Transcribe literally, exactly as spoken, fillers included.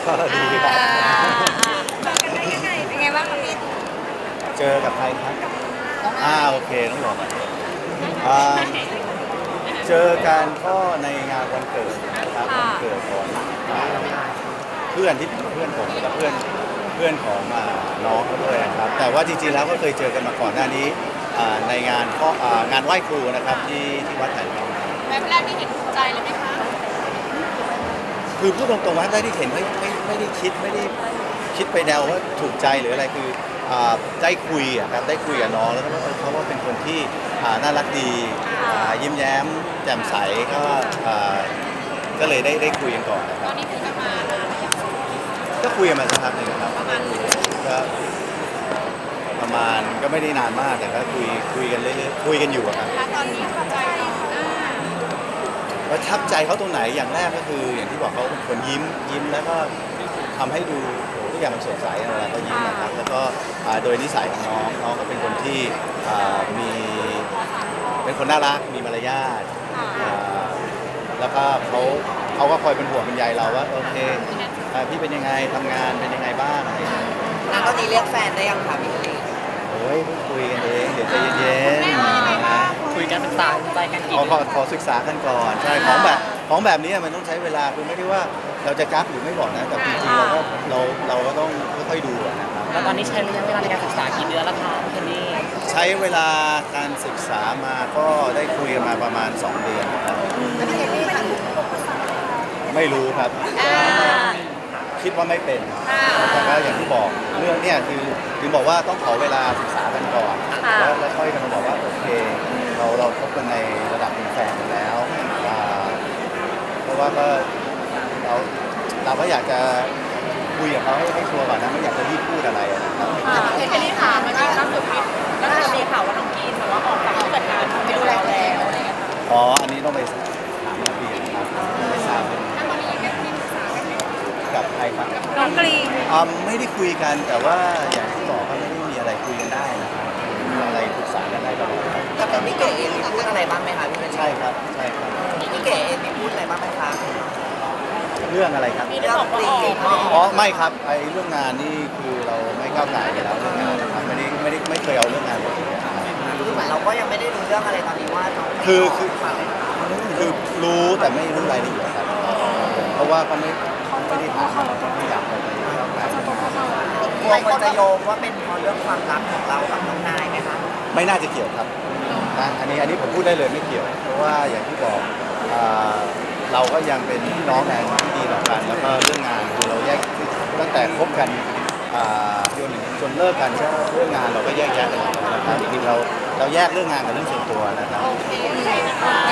ก็ดีครับอ่าเจอกันได้ยังไงเป็นไงบ้างคะพี่เจอกับใครครับอ่าโอเคต้องบอกก่อนอ่าเจอกันก็ในงานวันเกิดนะครับวันเกิดของอ่าเพื่อนที่เป็นเพื่อนผมและเพื่อนเพื่อนของอ่าน้องเขาด้วยนะครับแต่ว่าจริงๆแล้วก็เคยเจอกันมาก่อนหน้านี้อ่าในงานข้ออ่างานไหว้ครูนะครับที่ที่วัดไหนครับแวบแรกที่เห็นถูกใจเลยไหมคะคือพูดตรงๆว่าได้ที่เห็นไม่ไม่ไม่ได้คิดไม่ได้คิดไปแนวว่าถูกใจหรืออะไรคืออ่าได้คุยอะครับได้คุยกับน้องแล้วก็เออเขาว่าเป็นคนที่อ่าน่ารักดีอ่ายิ้มแย้มแจ่มใสก็อ่าก็เลยได้ได้คุยกันก่อนนะคตรัอบ นนี้คุยกันมานานหรือยังก็คุยกันมาสักพักหนึ่งครับประมาณก็ประมาณก็ไม่ได้นานมากแต่ก็คุยคุยกันเรื่อยๆคุยกันอยู่อะครับแล้วตอนนี้พอใจเนาะอ่าประทับใจเขาตรงไหนอย่างแรกก็คือ อย่างที่บอกเขาเป็นคนยิ้มยิ้มแล้วก็ทำให้ดูโอ้โหทุกอย่างมันสดใสเวลาเขายิ้มนะครับแล้วก็อ่าโดยนิสัยของน้องน้องก็เป็นคนที่อ่ามีเป็นคนน่ารักมีมารยาทอ่าแล้วก็เขาเขาก็คอยเป็นห่วงเป็นใยเราว่าโอเคอ่าพี่เป็นยังไงทำงานเป็นยังไงบ้างอะไรอย่างเงี้ยแล้วตอนนี้เรียกแฟนได้ยังคะพี่ลีโอ้ยเพิ่งคุยกันเองเดี๋ยวใจเย็นแม่ว่ายังไงบ้างคุยกันศึกษาใจกันๆกี่ขอขเดืออนขอศึกษากันก่อนใช่ของแบบของแบบนี้มันต้องใช้เวลาคือไม่ได้ว่าเราจะกักหรือไม่บอกนะแต่จริงๆเราก็เราเราก็ต้องค่อยๆดูอะนะครับแล้วตอนนี้ใช้ระยะเวลาในการศึกษากี่เดือนแล้วคะพี่ลีใช้เวลาการศึกษามาก็ได้คุยกันมาประมาณสองเดือนครับไม่รู้ครับอ่าคิดว่าไม่เป็นอ่าแต่ก็อย่างที่บอกเรื่องเนี่ยคือถึงบอกว่าต้องขอเวลาศึกษากันก่อนค่ะแล้วแล้วค่อยกันมาบอกว่าโอเค เราเราคบกันในระดับเป็นแฟนกันแล้วอ่าเพราะว่าก็เราเราก็อยากจะคุยกับเขาให้ให้ชัวร์ก่อนนะไม่อยากจะรีบพูดอะไรอะนะครับเห็นแค่นี้ถามมันมีล่าสุดมีแล้วก็มีข่าวว่าน้องกีนแบบว่าออกจากผู้จัดการไปดูแลแล้วอะไรอย่างเงี้ยค่ะอ๋ออันนี้ต้องไปถามนักเรียนนะครับไม่ทราบเป็นแล้วตอนนี้ยังมีปรึกษากันไหมกับใครครับน้องกรีนอ่าไม่ได้คุยกันแต่ว่าอย่างที่บอกก็ไม่ได้มีอะไรคุยกันได้นะครับมีอะไรปรึกษากันได้ตลอดครับกับพี่เก๋เองมีพูดอะไรบ้างไหมคะพี่ลีใช่ครับใช่ครับพี่เก๋เองมีพูดอะไรบ้างไหมคะเรื่องอะไรครับมีได้บอกว่าออกอ๋อไม่ครับไอ้เรื่องงานนี่คือเราไม่ก้าวไก่กันแล้วเรื่องงานนะครับไม่ได้ไม่ได้ไม่เคยเอาเรื่องงานมาคุยกันนะครับคือเหมือนเราก็ยังไม่ได้รู้เรื่องอะไรตอนนี้ว่าน้องคือคือคือรู้แต่ไม่รู้รายละเอียดครับเพราะว่าเขาไม่ไม่ได้ถามไม่อยากไปก้าวไก่กลัวคนจะโยงว่าเป็นเพราะเรื่องความรักของเรากับน้องนายไหมคะไม่น่าจะเกี่ยวครับนะอันนี้อันนี้ผมพูดได้เลยไม่เกี่ยว เพราะว่าอย่างที่บอกอ่าเราก็ยังเป็นพี่น้องกันที่ดีต่อกัน แล้วก็เรื่องงานคือเราแยกตั้งแต่คบกันอ่าจนจนเลิกกันก็เรื่องงานเราก็แยกแยะกันแล้วนะครับจริงๆเราเราแยกเรื่องงานกับเรื่องส่วนตัวนะครับ